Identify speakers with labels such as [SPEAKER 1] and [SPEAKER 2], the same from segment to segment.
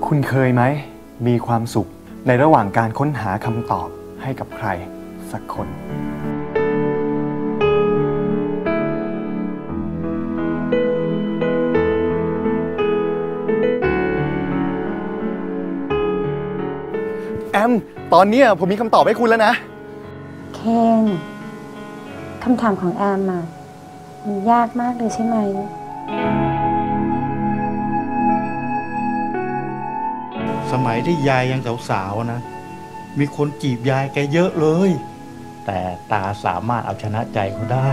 [SPEAKER 1] คุณเคยไหมมีความสุขในระหว่างการค้นหาคำตอบให้กับใครสักคนแอมตอนนี้ผมมีคำตอบให้คุณแล้วนะ
[SPEAKER 2] เคนคำถามของแอมอะมันยากมากเลยใช่ไหม
[SPEAKER 3] สมัยที่ยายยังสาวๆนะมีคนจีบยายแกเยอะเลยแต่ตาสามารถเอาชนะใจเขาได้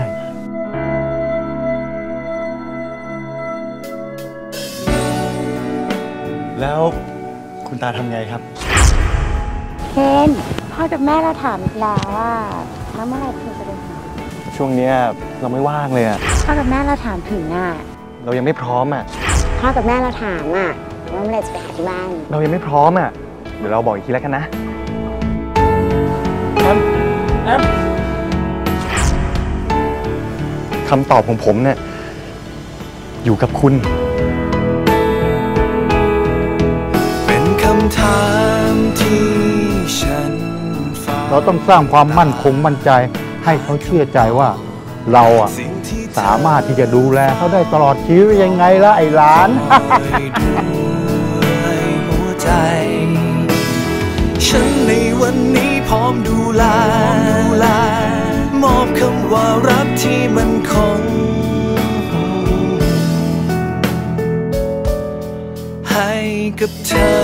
[SPEAKER 1] แล้วคุณตาทำไงครับ
[SPEAKER 2] เคนพ่อกับแม่เราถามอีกแล้วว่าแล้วเมื่อไหร่เธอจะไปหา
[SPEAKER 1] ช่วงนี้เราไม่ว่างเลย
[SPEAKER 2] พ่อกับแม่เราถามถึง
[SPEAKER 1] เรายังไม่พร้อม
[SPEAKER 2] พ่อกับแม่เราถามว่าเมื่อไหร่จะไปหาที่บ้าน
[SPEAKER 1] เรายังไม่พร้อมเดี๋ยวเราบอกอีกทีแล้วกันนะแอมคำตอบของผมเนี่ยอยู่กับคุณ
[SPEAKER 4] เป็นคำถามที่ฉัน
[SPEAKER 3] เราต้องสร้างความมั่นคงมั่นใจให้เขาเชื่อใจว่าเราสามารถที่จะดูแลเขาได้ตลอดชีวิตยังไงล่ะไอ้หลาน
[SPEAKER 4] ฉันในวันนี้พร้อมดูแลมอบคำว่ารักที่มันคงให้กับเธอ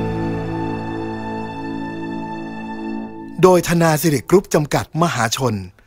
[SPEAKER 4] โดยธนาสิริกรุ๊ปจำกัดมหาชน